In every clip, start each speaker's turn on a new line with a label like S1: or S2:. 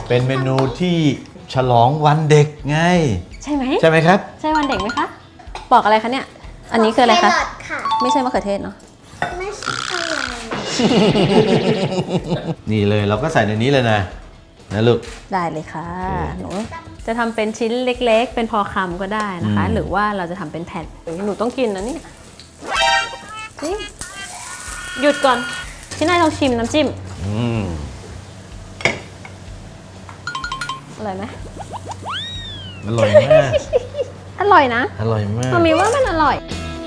S1: เป็นเมนูที่ฉลองวันเด็กไง
S2: ใช่ไหม
S1: ใช่ไหมครับ
S2: ใช่วันเด็กไหมคะบอกอะไรคะเนี่ยอันนี้คืออะไรคะไม่ใช่มะเขือเทศเนาะ
S3: ไม่ใช่อะไร
S1: นี่เลยเราก็ใส่ในนี้เลยนะลูก
S2: ได้เลยค่ะหนูจะทำเป็นชิ้นเล็กๆเป็นพอคำก็ได้นะคะหรือว่าเราจะทำเป็นแผ่นหนูต้องกินนะเนี่ยหยุดก่อนพี่นายลองชิมน้ำจิ้มอร่อยไหม
S1: อร่อยมาก
S2: อร่อยนะ
S1: อร่อยมาก
S2: มันมีว่ามันอร่อย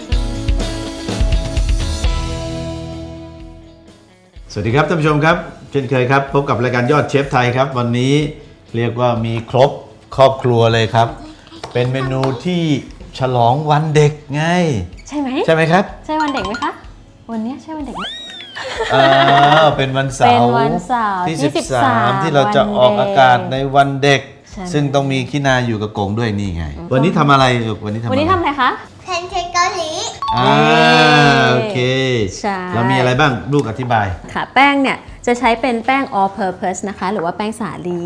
S1: สวัสดีครับท่านผู้ชมครับเช่นเคยครับพบกับรายการยอดเชฟไทยครับวันนี้เรียกว่ามีครบครอบครัวเลยครับเป็นเมนูที่ฉลองวันเด็กไง
S2: ใช่ไหม
S1: ใช่ไหมครับ
S2: ใช่วันเด็กไหมคะวันนี้ใช่วันเด็กไหม
S1: เป็นวันเสาร์ที่13ที่เราจะออกอากาศในวันเด็กซึ่งต้องมีขี้นาอยู่กับกงด้วยนี่ไงวันนี้ทำอะไรวันนี้ทำ
S2: อะไรคะ
S3: แพนเค้กเกาหลี
S1: โอเคเรามีอะไรบ้างลูกอธิบาย
S2: ค่ะแป้งเนี่ยจะใช้เป็นแป้ง all purpose นะคะหรือว่าแป้งสาลี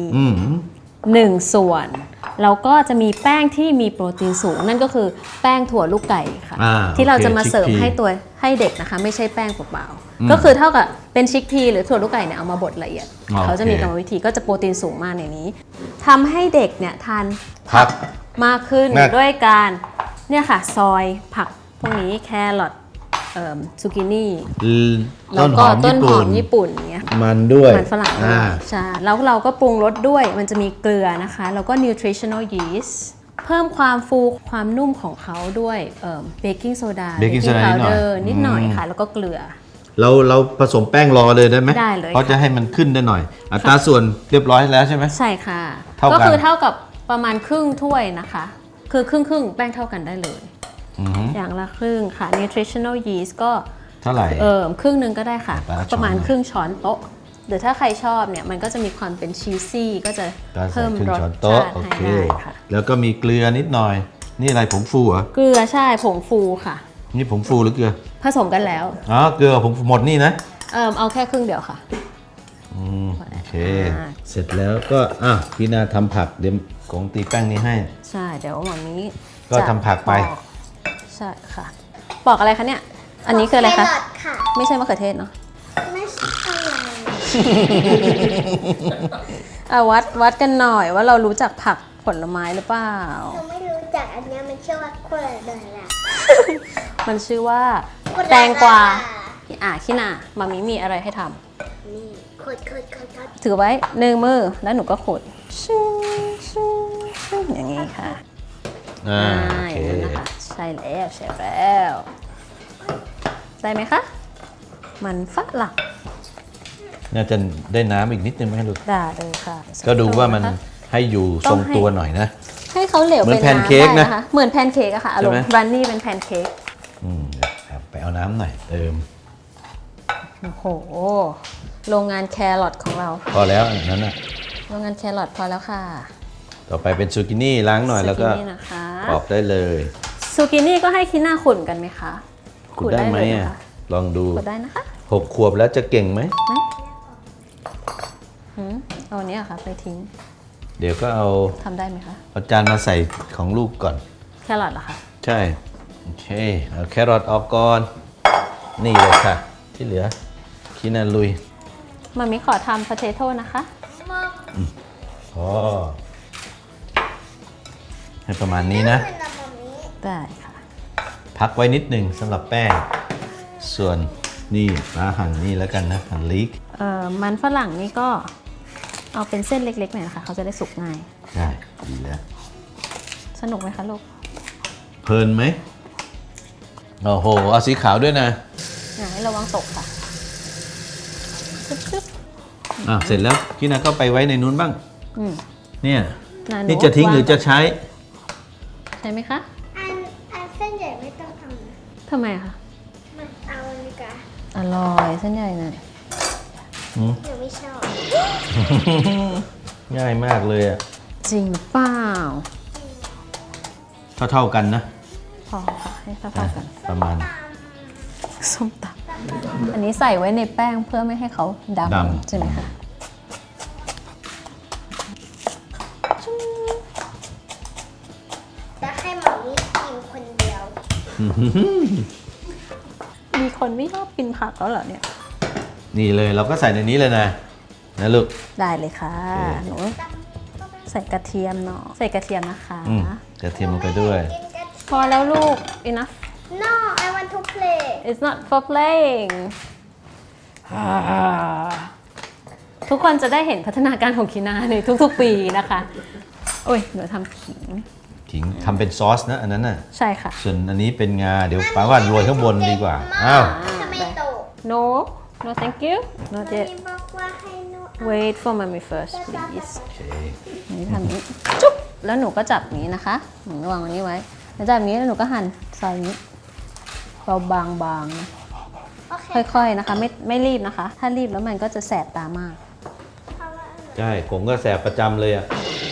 S2: 1 ส่วนแล้วก็จะมีแป้งที่มีโปรตีนสูงนั่นก็คือแป้งถั่วลูกไก่ค่ะที่เราจะมาเสิร์ฟให้เด็กนะคะไม่ใช่แป้งเปล่าๆก็คือเท่ากับเป็นชิคพีหรือถั่วลูกไก่เนี่ยเอามาบดละเอียดเขาจะมีกรรมวิธีก็จะโปรตีนสูงมากในนี้ทำให้เด็กเนี่ยทานผักมากขึ้นด้วยการเนี่ยค่ะซอยผักพวกนี้แครอทซูกินี่แล้วก็ต้นหอมญี่ปุ่นเงี้ย
S1: มันด้วย
S2: มันฝรั่งใช่แล้วเราก็ปรุงรสด้วยมันจะมีเกลือนะคะแล้วก็ nutritional yeast เพิ่มความฟูความนุ่มของเขาด้วยเบกกิ้งโซดานิดหน่อยค่ะแล้วก็เกลือ
S1: เราผสมแป้งรอเลยได้ไหม
S2: ได้เลย
S1: เพราะจะให้มันขึ้นได้หน่อยอัตราส่วนเรียบร้อยแล้วใช่ไหม
S2: ใช่ค่ะก็คือเท่ากับประมาณครึ่งถ้วยนะคะคือครึ่งแป้งเท่ากันได้เลยอย่างละครึ่งค่ะ nutritional yeast ก็
S1: เท่าไหร่
S2: ครึ่งนึงก็ได้ค่ะประมาณครึ่งช้อนโต๊ะหรือถ้าใครชอบเนี่ยมันก็จะมีความเป็นชีสซี่ก็จะเพิ่มรสชาติให้ได้ค่ะ
S1: แล้วก็มีเกลือนิดหน่อยนี่อะไรผงฟูเหรอ
S2: เกลือใช่ผงฟูค่ะ
S1: นี่ผงฟูหรือเกลือ
S2: ผสมกันแล้ว
S1: เกลือผงหมดนี่นะ
S2: เอาแค่ครึ่งเดียวค่ะ
S1: โอเคเสร็จแล้วก็พี่นาทำผักเดี๋ยวกงตีแป้งนี้ให้
S2: ใช่เดี๋ยวหมอนี้
S1: ก็ทำผักไป
S2: ใช่ค่ะปอกอะไรคะเนี่ยอันนี้คืออะไรคะไม่ใช่มะเขือเทศเนาะ
S3: ไม่ใช่อะไร
S2: วัดกันหน่อยว่าเรารู้จักผักผลไม้หรือเปล่า
S3: เราไม่รู้จักอันนี้มันชื่อว่าโคลาดา
S2: มันชื่อว่าแตงกวาขี้หนามามิมีอะไรให้ท
S3: ำนี่ขด
S2: ถือไว้1 มือแล้วหนูก็ขดอย่างนี้ค่ะอย่างนั้นนะคะใช่แล้วได้ไหมคะมันฝรั่ง
S1: น่าจะได้น้ำอีกนิดนึงไหมลูก
S2: ได้เลยค่ะ
S1: ก็ดูว่ามันให้อยู่ทรงตัวหน่อยนะ
S2: ให้เขาเหลวเป็นน้ำได้นะคะเหมือนแพนเค้กอะค่ะอารมณ์รันนี่เป็นแพนเค้ก
S1: ไปเอาน้ำหน่อยเติม
S2: โอ้โหโรงงานแครอทของเรา
S1: พอแล้วนั้นนะ
S2: โรงงานแครอทพอแล้วค่ะ
S1: ต่อไปเป็นซูกินี่ล้างหน่อยแล้วก็ปอกได้เลย
S2: ซูกินี่ก็ให้คิน่าขุ่นกันไหมคะ
S1: ขุ่นได้ไหมลองดู
S2: ขุ่นได้นะคะ
S1: 6 ขวบแล้วจะเก่งไหม
S2: เอาอันนี้ค่ะไปทิ้ง
S1: เดี๋ยวก็เอา
S2: ทำได้ไหมคะ
S1: เอาจานมาใส่ของลูกก่อน
S2: แครอทเหรอคะ
S1: ใช่โอเคเอาแครอทออกก่อนนี่เลยค่ะที่เหลือคินาลุย
S2: มามิขอทำพาเทโต้นะคะ
S1: ให้ประมาณนี้นะ
S2: ได้ค่ะ
S1: พักไว้นิดหนึ่งสำหรับแป้งส่วนนี่หั่นนี่แล้วกันนะหั่นลีก
S2: มันฝรั่งนี่ก็เอาเป็นเส้นเล็กๆหน่อยนะคะเขาจะได้สุกง่าย
S1: ได้ดีแล้ว
S2: สนุกไหมคะลูก
S1: เพลินไหมโอ้โหเอาสีขาวด้วยนะ
S2: ให้ระวังตกค่ะ
S1: เสร็จแล้วพี่นาก็ไปไว้ในนู้นบ้างเนี่ยนี่จะทิ้งหรือจะใช้
S2: ไหมคะ
S3: อันเส้นใหญ่ไม่ต้องทำนะ
S2: ทำไมคะ
S3: มันเอาอันนี้กัน
S2: อร่อยเส้นใหญ่หน่อย
S3: หนูไม่ชอบ
S1: ง่ายมากเลย
S2: จริงเปล่า
S1: เท่ากันนะ
S2: พอค่ะให้เท่ากัน
S1: ประมาณ
S2: ส้มตำอันนี้ใส่ไว้ในแป้งเพื่อไม่ให้เขาดำใช่ไหมคะมีคนไม่ชอบกินผักแล้วเหรอเนี่ย
S1: นี่เลยเราก็ใส่ในนี้เลยนะลูก
S2: ได้เลยค่ะหนูใส่กระเทียมเนาะใส่กระเทียมนะคะ
S1: กระเทียมลงไปด้วย
S3: กินกัน
S2: พอแล้วลูก enough
S3: No I want to play
S2: it's not for playing ทุกคนจะได้เห็นพัฒนาการของคีนาในทุกๆปีนะคะโอ้ยหนูทำขิง
S1: ขิงทำเป็นซอสนะอันนั้นน่ะ
S2: ใช่ค่ะ
S1: ส่วนอันนี้เป็นงาเดี๋ยวป้าว่าโรยข้างบนดีกว่าอ้าว
S3: ทำไมโต
S2: no no thank you not
S3: มัน
S2: yet
S3: มีบอกว่าให้หนู
S2: wait for mommy first please
S1: โอเค
S2: นี่ทำนี้จุ๊บแล้วหนูก็จับนี้นะคะหนูวางอันนี้ไว้แล้วจับนี้แล้วหนูก็หั่นซอยนี้เบาบางๆ
S3: โอเค
S2: ค่อยๆนะคะไม่รีบนะคะ ถ้ารีบแล้วมันก็จะแสบตามาก
S3: เพราะว่า
S1: ใช่ผมก็แสบประจำเลยอ่ะ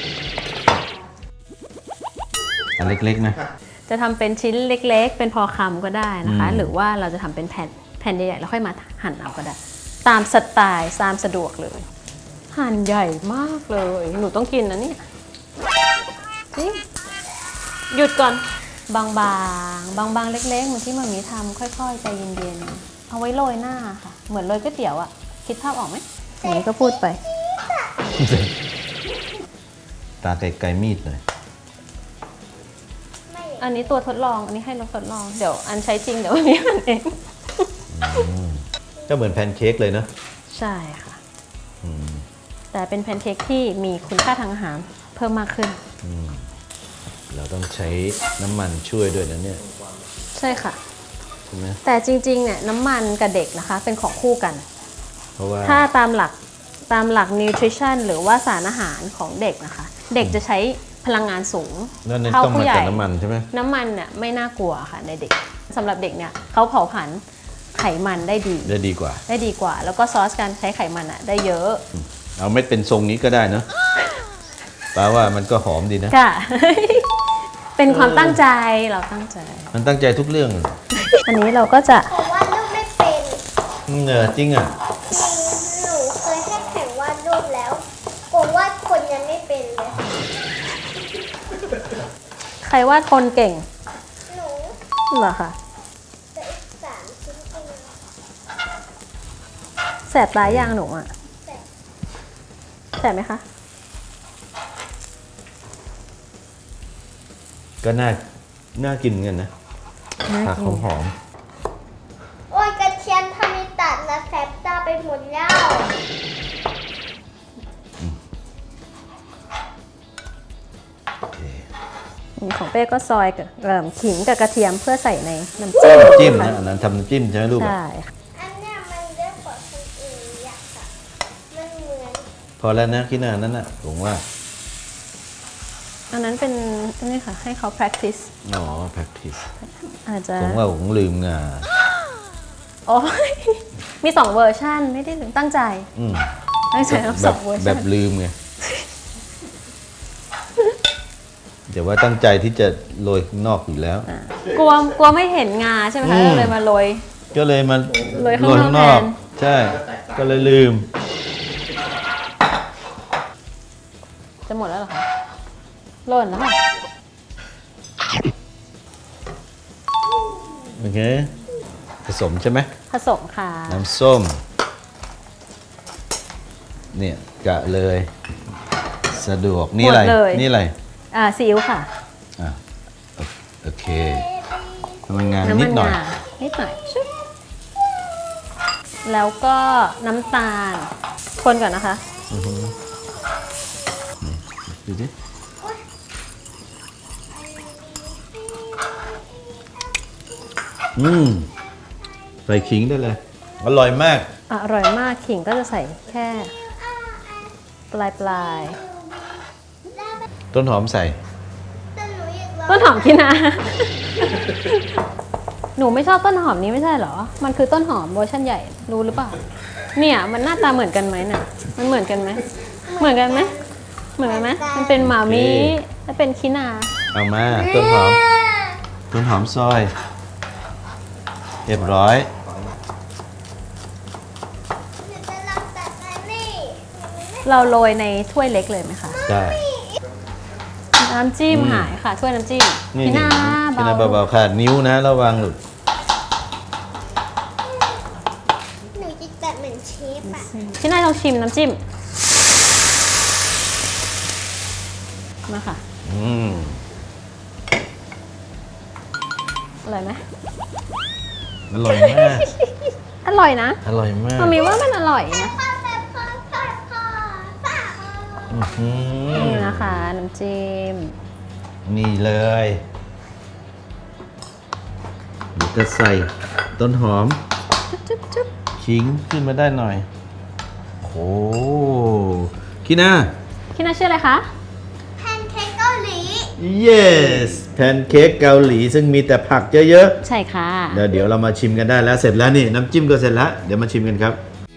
S1: อันเล็กๆนะ
S2: จะทำเป็นชิ้นเล็กๆ เป็นพอคำก็ได้นะคะ
S1: อืม
S2: หรือว่าเราจะทำเป็นแผ่นใหญ่ๆแล้วค่อยมาหั่นเอาก็ได้ ตามสไตล์ตามสะดวกเลย หั่นใหญ่มากเลย หนูต้องกินนะเนี่ยจริงหยุดก่อนบางๆเล็กๆเหมือนที่มามีทำค่อยๆใจเย็นๆเอาไว้โรยหน้าค่ะ เหมือนโรยก๋วยเตี๋ยวอะคิดภาพออกไหมอย่างนี้ก็พูดไป
S1: ตาไกลๆมีดหน่อย
S3: ไม่
S2: อันนี้ตัวทดลองอันนี้ให้เราทดลองเดี๋ยวอันใช้จริงเดี๋ยวอันนี้มันเอง
S1: ก็เหมือนแพนเค้กเลยเนอะ
S2: ใช่ค่ะ แต่เป็นแพนเค้กที่มีคุณค่าทางอาหารเพิ่มมากขึ้น
S1: เราต้องใช้น้ำมันช่วยด้วยนะเนี่ย
S2: ใช่ค่ะ
S1: ใช่ไหม
S2: แต่จริงๆเนี่ยน้ำมันกับเด็กนะคะ เป็นของคู่กัน
S1: เพราะว่า
S2: ถ้าตามหลัก nutrition หรือว่าสารอาหารของเด็กนะคะ เด็กจะใช้พลังงานสูง
S1: นั่น
S2: เท่า
S1: ต้อง
S2: ผู้
S1: มา
S2: ใหญ่
S1: จากน้ำมันใช่ไหม
S2: น้ำมันเนี่ยไม่น่ากลัวค่ะในเด็กสำหรับเด็กเนี่ยเขาเผาผลาญไขมันได้ดี
S1: ได้ดีกว่า
S2: แล้วก็ซอสการใช้ไขมันอะได้เยอะ
S1: เอาไม่เป็นทรงนี้ก็ได้เนอะป้าว่ามันก็หอมดีนะ
S2: ค่ะ เป็นความตั้งใจเราตั้งใจ
S1: มันตั้งใจทุกเรื่อง
S2: อันนี้เราก็จะ
S3: ผมวาดรูปไม่เป็น
S1: เนอจริงอ่ะ
S3: จริงหนูเคยให้แข่งวาดรูปแล้วผมวาดคนยังไม่เป็นเลย
S2: ใครวาดคนเก่ง
S3: หนู
S2: เหรอคะ
S3: จะอีก3 ชิ้นเอง
S2: แสบตายยางหนูอ่ะ
S3: แต่
S2: แสบไหมคะ
S1: ก็น่ากินเหมือนกันนะผักหอม
S3: โอ้ยกระเทียมทำให้ตัดนะแสบตาไปหมดแล้ว
S1: ๆโอเค
S2: ของเป้ก็ซอยกับขิงกับกระเทียมเพื่อใส่ในน้ำจิ้ม
S1: จิ้มนะอันนั้นทำน้ำจิ้มใช่ไหมลูกอะ
S2: ใช่ค่ะ
S3: อันเนี้ยมันเยอะกว่าคนอื่นอยากอะมันเหมือน
S1: พอแล้วนะคิดนานั้นน่ะผมว่า
S2: อันนั้นเป็นนี่ค่ะ ให้เขา practice
S1: อ๋อ practice
S2: อาจจะ
S1: ผมว่าผมลืมงา
S2: โอ้ยมี2เวอร์ชันไม่ได้ลืมตั้งใจ
S1: อืม
S2: ตั้งใจทั้ง
S1: แบ
S2: ส
S1: บ
S2: องเวอร์
S1: แบ
S2: ชัน
S1: บลืมไงแต่ว่าตั้งใจที่จะโรยข้างนอกอยู่แล้ว
S2: กลัวไม่เห็นงาใช่ไหมคะก็เลยมาโรย
S1: ก็เลยมา
S2: โรยข้างนอก
S1: ใช่ ก็เลยลืม
S2: จะหมดแล้วเหรอคะหล่นแล้วค่ะ
S1: โอเค ผสมใช่ไหม
S2: ผสมค่ะ
S1: น้ำส้ม เนี่ยกะเลย สะดวก นี่อะไร
S2: หมดเลย
S1: นี่อะไร
S2: ซีอิ๊วค่ะ
S1: อ่ะโอเคทำงานนิดหน่อย
S2: งานิดหน่อยชึบแล้วก็น้ำตาล คนก่อนนะคะ
S1: ดูดิใส่ขิงได้เลย อร่อยมาก
S2: อร่อยมากขิงก็จะใส่แค่ปลาย
S1: ต้นหอมใส่
S3: แต่หนูอยากลอง
S2: ต้นหอมกินนะ หนูไม่ชอบต้นหอมนี้ไม่ใช่เหรอ มันคือต้นหอมเวอร์ชันใหญ่รู้หรือเปล่า เนี่ยมันหน้าตาเหมือนกันไหมน่ะ มันเหมือนกันไหมเหมือนกันไหมเหมือนกันไหมมันเป็นหมามิและเป็นคินา
S1: เอามา ต้นหอม ต้นหอมซอย เรียบร้อย
S3: หนูจะลองตัดอันนี้
S2: เราโรยในถ้วยเล็กเลยไหมคะ
S1: ได้
S2: น้ำจิ้มหายค่ะถ้วยน้ำจิ้ม
S1: นี่
S2: พี่นา
S1: กินอะไรเบาๆค่ะนิ้วนะระวังลูก
S3: หนูจะแบบเหมือนเชฟอะ
S2: ที่นายลองชิมน้ำจิ้มมาค่ะ อร่อยไหม
S1: อร่อยมาก
S2: อร่อยนะ
S1: อร่อยมาก
S2: มามีว่ามันอร่อยนะ
S3: พ่อแซ่บพ่อแซ่บพ่อแซ่บ
S2: นี่นะคะน้ำจิ้ม
S1: นี่เลยเดี๋ยวจะใส่ต้นหอม
S2: จุ๊บจุ๊บ
S1: ขิงขึ้นมาได้หน่อยโอ้คิน่า
S2: ที่น่าชื่ออะไรคะ
S3: แพนเค้กเกาหลี
S1: yes แพนเค้กเกาหลีซึ่งมีแต่ผักเยอะ
S2: ใช่ค่ะ
S1: ๆเดี๋ยวเรามาชิมกันได้แล้วเสร็จแล้วนี่น้ำจิ้มก็เสร็จแล้วเดี๋ยวมาชิมกันครับ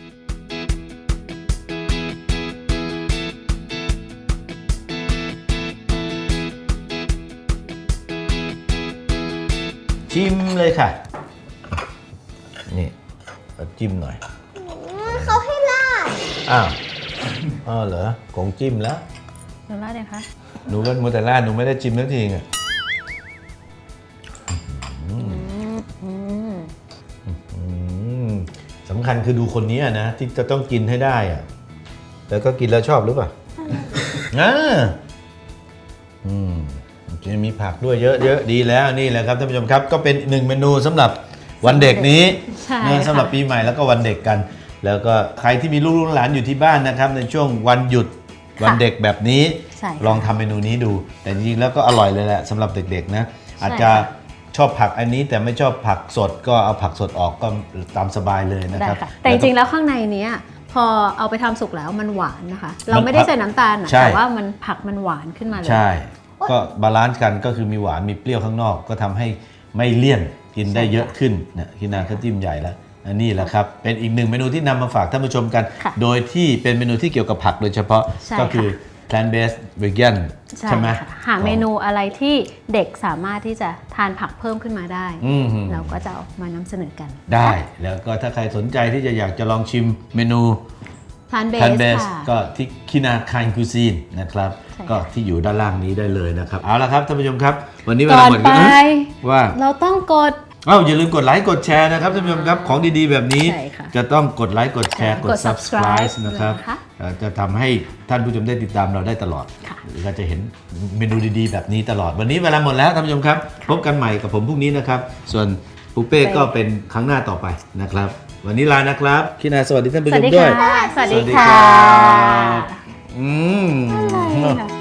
S1: ชิมเลยค่ะนี่เอาจิ้มหน่อย
S3: เขาให้ราด
S1: อ้าวเหรอของจิ้มแล้ว
S2: เดี๋ยวราดเลยคะ
S1: หนูก็มัวแต่ราดหนูไม่ได้จิ้มสักทีไงสำคัญคือดูคนนี้นะที่จะต้องกินให้ได้อะแล้วก็กินแล้วชอบหรือเปล่าจะมีผักด้วยเยอะๆดีแล้วนี่แหละครับท่านผู้ชมครับก็เป็น1เมนูสำหรับวันเด็กนี้
S2: ใช่
S1: นะสำหรับปีใหม่แล้วก็วันเด็กกัน แล้วก็ใครที่มีลูกหลานอยู่ที่บ้านนะครับในช่วงวันหยุดวันเด็กแบบนี้
S2: ใช่ค่ะ
S1: ลองทำเมนูนี้ดู แต่จริงๆแล้วก็อร่อยเลยแหละสำหรับเด็กๆนะอาจจะ
S2: ค่ะ
S1: ชอบผักอันนี้แต่ไม่ชอบผักสดก็เอาผักสดออกก็ตามสบายเลยนะ
S2: ได้
S1: ครับ
S2: ค่ะแต่จริงๆแล้วข้างในเนี้ยพอเอาไปทำสุกแล้วมันหวานนะคะ เราไม่ได้ใส่น้ำตาลนะ
S1: ใช่
S2: แต่ว่ามันผักมันหวานขึ้นมาเลย
S1: ใช่ ก็บาลานซ์กันก็คือมีหวานมีเปรี้ยวข้างนอก ก็ทำให้ไม่เลี่ยนกินได้เยอะขึ้นนะคินาก็จิ้มใหญ่แล้วอันนี้แหละครับเป็นอีก1เมนูที่นำมาฝากท่านผู้ชมกัน
S2: ค่ะ
S1: โดยที่เป็นเมนูที่เกี่ยวกับผักโดยเฉพาะ
S2: ใช่
S1: ก็คือ plant based vegan ใช่ไหม
S2: ค่ะหาเมนูอะไรที่เด็กสามารถที่จะทานผักเพิ่มขึ้นมาได้ เราก็จะเอามานำเสนอกัน
S1: ได้แล้วก็ถ้าใครสนใจที่จะอยากจะลองชิมเมนู
S2: ทานเบ
S1: plant
S2: ส
S1: based
S2: ค่ะ
S1: ก็ที่คินาคายคูซีนนะครับ
S2: ใช่ค่ะ
S1: ก็ที่อยู่ด้านล่างนี้ได้เลยนะครับเอาละครับท่านผู้ชมครับ วันนี้เว
S2: ก่
S1: ลา
S2: อน
S1: หมด
S2: ไป
S1: ว่า
S2: เราต้องกด
S1: อย่าลืมกดไลค์กดแชร์นะครับท่านผู้ชมครับของดีๆแบบนี้
S2: ใช่ค่ะ
S1: จะต้องกดไลค์กดแชร์กด
S2: กด
S1: subscribe
S2: subscribe
S1: นะครับ
S2: นะคะ
S1: จะทำให้ท่านผู้ชมได้ติดตามเราได้ตลอด
S2: ค่ะ
S1: ก็จะเห็นเมนูดีๆแบบนี้ตลอดวันนี้เวลาหมดแล้วท่านผู้ชมครับพบกันใหม่กับผมพรุ่งนี้นะครับ ส่วนปูเป้ก็เป็นครั้งหน้าต่อไปนะครับ วันนี้ลานะครับคินาสวัสดีท่านผู้
S2: ส
S1: ช
S2: วัส
S1: ม
S2: ดี
S1: ด้วย
S2: ค่ะ สวัสดี
S1: สวัสดี
S2: ค่ะ
S1: ครับ
S2: อะไรล่ะ